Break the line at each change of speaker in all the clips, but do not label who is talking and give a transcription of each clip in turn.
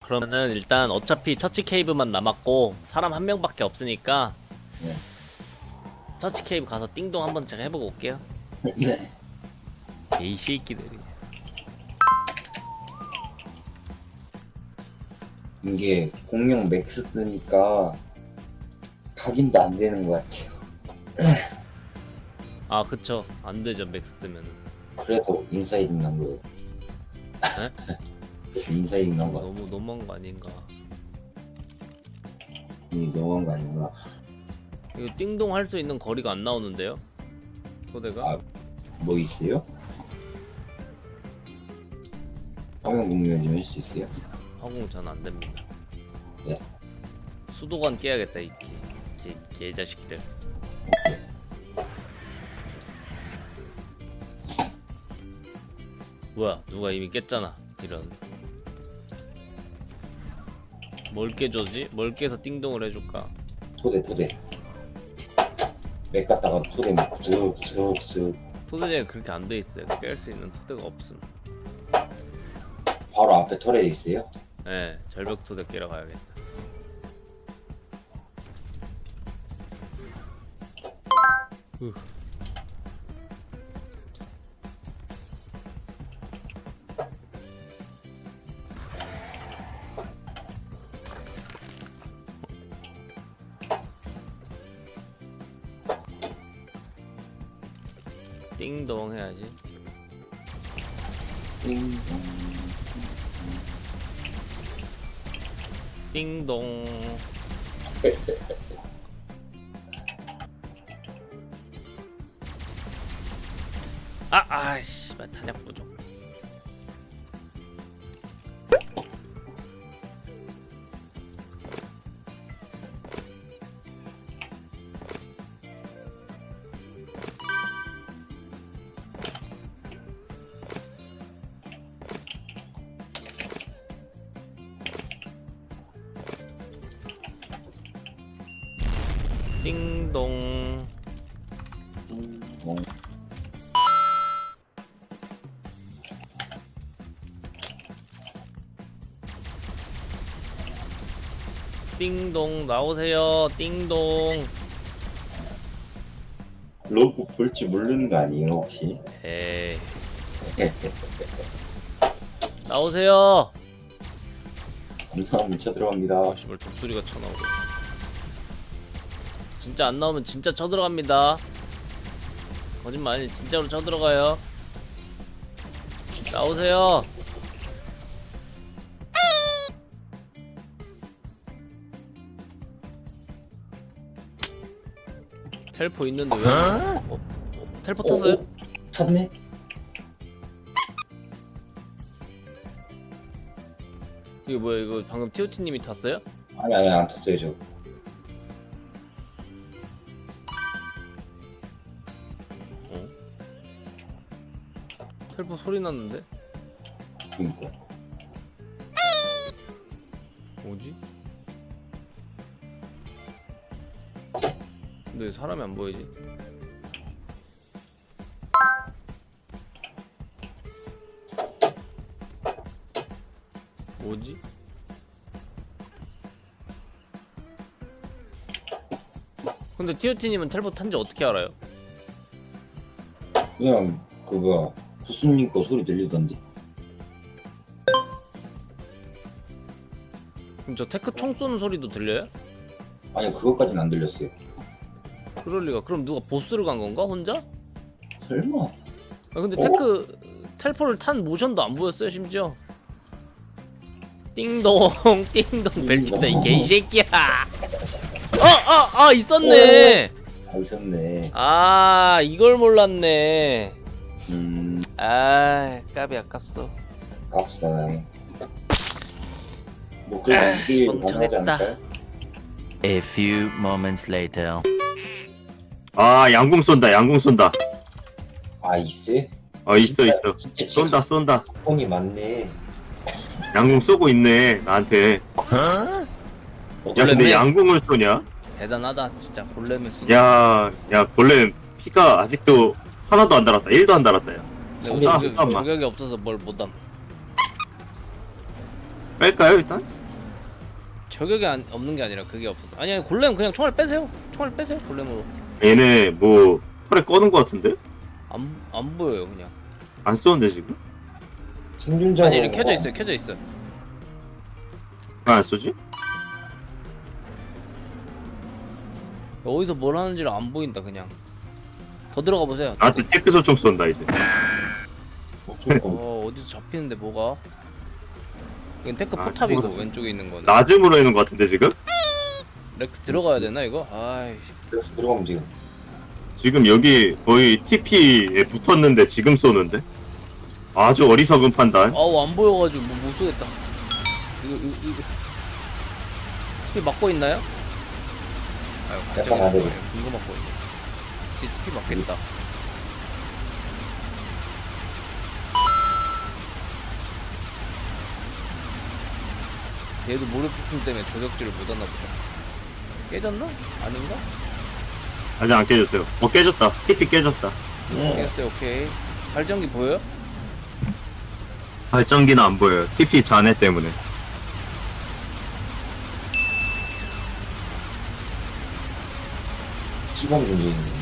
그러면은 일단 어차피 처치 케이브만 남았고 사람 한 명밖에 없으니까
네.
처치 케이브 가서 띵동 한번 제가 해보고 올게요.
네.
이 새끼들이.
이게 공룡 맥스 뜨니까 각인도 안 되는 것 같아요.
아 그쵸, 안 되죠 맥스 뜨면은.
그래서 인사이딩 난 거예요. 그래서 인사이딩 난 거.
너무 너무한 거 아닌가.
이게 너무한 거 아닌가?
이거 띵동 할 수 있는 거리가 안 나오는데요? 소대가?
아, 뭐 있어요? 화면 공유 좀 할 수 있어요?
화공 전 안 됩니다.
네.
수도관 깨야겠다 이 개자식들. 뭐야, 누가 이미 깼잖아. 이런. 뭘 깨줘지? 뭘 깨서 띵동을 해줄까?
토대. 맥 갔다가 토대 막 쓱쓱쓱
토대제가 그렇게 안 돼 있어요. 깰 수 있는 토대가 없음.
바로 앞에 토레에 있어요?
네, 절벽 토대 깨러 가야겠다. 띵동 해야지. 띵동. 아이씨, 탄약 부족. 띵동. 띵동 나오세요. 띵동.
로고 볼지 모르는 거 아니에요 혹시?
에이. 나오세요.
감사합니다. 쳐들어갑니다.
씨발 독수리가 쳐나오고. 진짜 안 나오면 진짜 쳐들어갑니다. 거짓말 아니, 진짜로 쳐들어가요. 나오세요. 텔포 있는데 왜? 텔포 탔어요?
탔네?
이거 뭐야? 이거 방금 TOT님이 탔어요?
아니 안 탔어요 저.
텔포 소리 났는데?
그니까.
뭐지? 근데 왜 사람이 안 보이지? 뭐지? 근데 TOT님은 텔포 탄지 어떻게 알아요?
그냥 그거 부스님 거 소리 들리던데.
그럼 저 테크 총 쏘는 소리도 들려요?
아니 그것까지는 안 들렸어요.
그럴 리가. 그럼 누가 보스를 간 건가? 혼자?
설마?
아 근데 테크 텔포를 탄 모션도 안 보였어요 심지어. 띵동 띵동 벨트다 이 개새끼야. 있었네.
아 있었네.
아 이걸 몰랐네.
음
아 까비 아깝소.
값싸. 뭐 그래도 이게 가능하지
멍청했다.
않을까요?
A few moments later.
아, 양궁 쏜다.
아 있어요?
있어.
진짜
쏜다.
뽕이 많네.
양궁 쏘고 있네, 나한테. 야, 근데
골렘이?
양궁을 쏘냐?
대단하다 진짜. 골렘을 쓰.
야, 골렘 피가 아직도 하나도 안 달았다. 1도 안 달았다, 야.
내가
잠깐만.
저격이 없어서 뭘 못함.
뺄까요, 일단?
저격이 없는 게 아니라 그게 없었어. 아니 골렘 그냥 총알 빼세요. 총알 빼세요 골렘으로.
얘네 뭐 털에 꺼는 거 같은데?
안 보여요 그냥.
안 쏘는데 지금?
생존자.
아니 이렇게 켜져 있어요. 켜져 있어.
왜 안 쏘지?
어디서 뭘 하는지를 안 보인다 그냥. 더 들어가 보세요.
나한테 테크 소총 쏜다 이제.
어디서 잡히는데 뭐가? 이건 테크
아,
포탑이고
그거는-
왼쪽에 있는 거는.
낮음으로 있는 거 같은데 지금?
렉스 들어가야 되나 이거? 아이씨.
들어가면 돼요.
지금 여기 거의 TP에 붙었는데 지금 쏘는데? 아주 어리석은 판단.
아우 안 보여가지고 뭐 못 쏘겠다. 이거 TP 막고 있나요? 아유 갑자기
약간 안 되네.
궁금 막고 있네. 진짜 TP 맞겠다. 얘도 모래폭풍 때문에 저격지를 못 하나 보다. 깨졌나? 아닌가?
아직 안 깨졌어요. 깨졌다. TP 깨졌다.
깨졌어요. 오케이. 발전기 보여요?
발전기는 안 보여요. TP 잔해 때문에.
시간 문제 있네.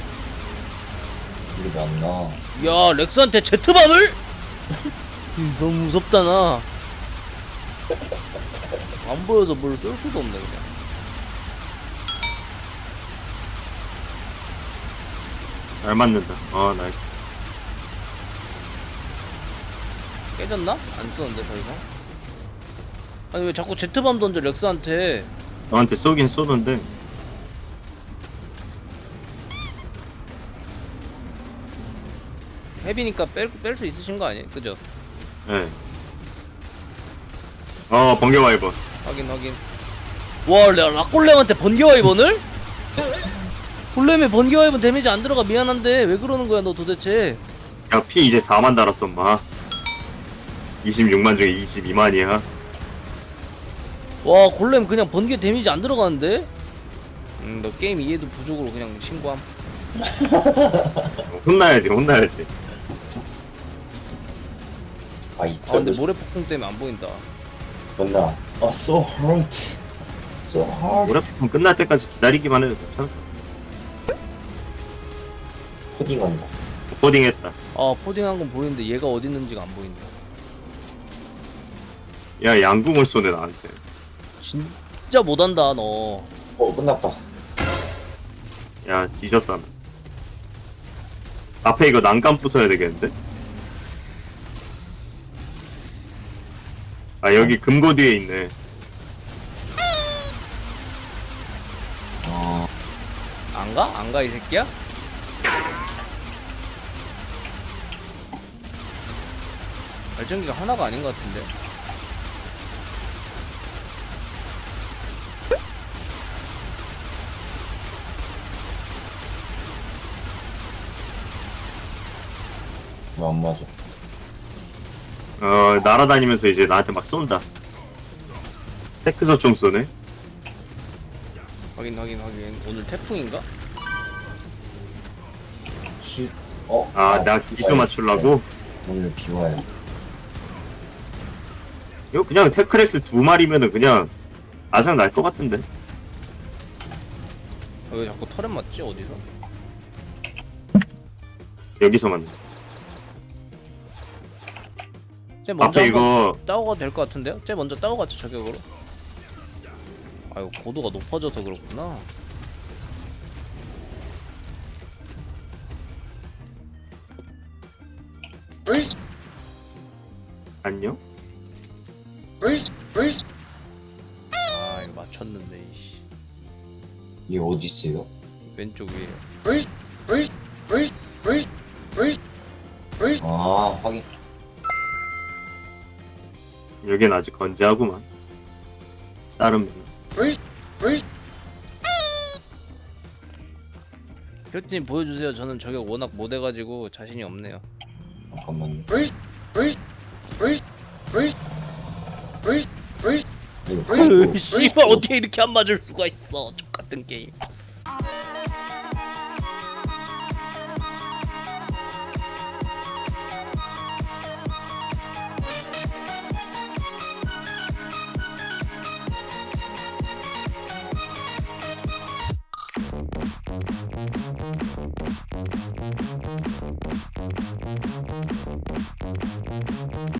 이게 맞나?
야 렉스한테 제트밤을? 너무 무섭다 나. 안 보여서 뭘 쏠 수도 없네 그냥.
잘 맞는다. 아 나이스.
깨졌나? 안 쏘는데 더 이상? 아니 왜 자꾸 제트밤 던져 렉스한테.
너한테 쏘긴 쏘는데
헤비니까 뺄 수 있으신 거 아니에요? 그죠?
예. 번개 와이번.
확인 확인. 와 락골렘한테 번개와이번을? 골렘에 번개와이번 데미지 안 들어가. 미안한데 왜 그러는 거야 너 도대체.
야, 피 이제 4만 달았어, 마. 26만 중에 22만이야.
와 골렘 그냥 번개 데미지 안 들어가는데? 너 게임 이해도 부족으로 그냥 신고함.
혼나야지, 혼나야지.
아, 이
아 근데 모래폭풍 때문에 안 보인다.
맞나? so hard. So hard.
모래폭풍 끝날 때까지 기다리기만 해도 괜찮아.
코딩한다.
코딩했다.
아 포딩한 건 보이는데 얘가 어디 있는지가 안 보인다.
야, 양궁을 쏘네, 나한테.
진짜 못한다 너.
끝났다.
야, 뒤졌다. 나. 앞에 이거 난간 부숴야 되겠는데? 아, 여기 금고 뒤에 있네.
안 가? 안 가 이 새끼야? 발전기가 하나가 아닌 것 같은데.
왜 안 맞아?
날아다니면서 이제 나한테 막 쏜다. 테크서총 쏘네.
확인. 오늘 태풍인가?
나 기수 맞추려고?
오늘 비와요.
이거 그냥 테크렉스 2마리면은 그냥 아장 날 것 같은데.
왜 자꾸 털에 맞지? 어디서?
여기서 맞네.
쟤 먼저
앞에
한번
이거
따오가 될 것 같은데요? 쟤 먼저 따오가죠 저격으로. 아이고 고도가 높아져서 그렇구나.
안녕?
아 이거 맞췄는데 이씨.
얘 어디 있어요?
왼쪽 위에.
아, 확인.
여긴 아직 건재하구만. 다른 분.
표티님 보여주세요. 저는 저격 워낙 못해가지고 자신이 없네요.
잠깐만요. 이거
으, 씨발 어떻게 이렇게 안 맞을 수가 있어. 족같은 게임.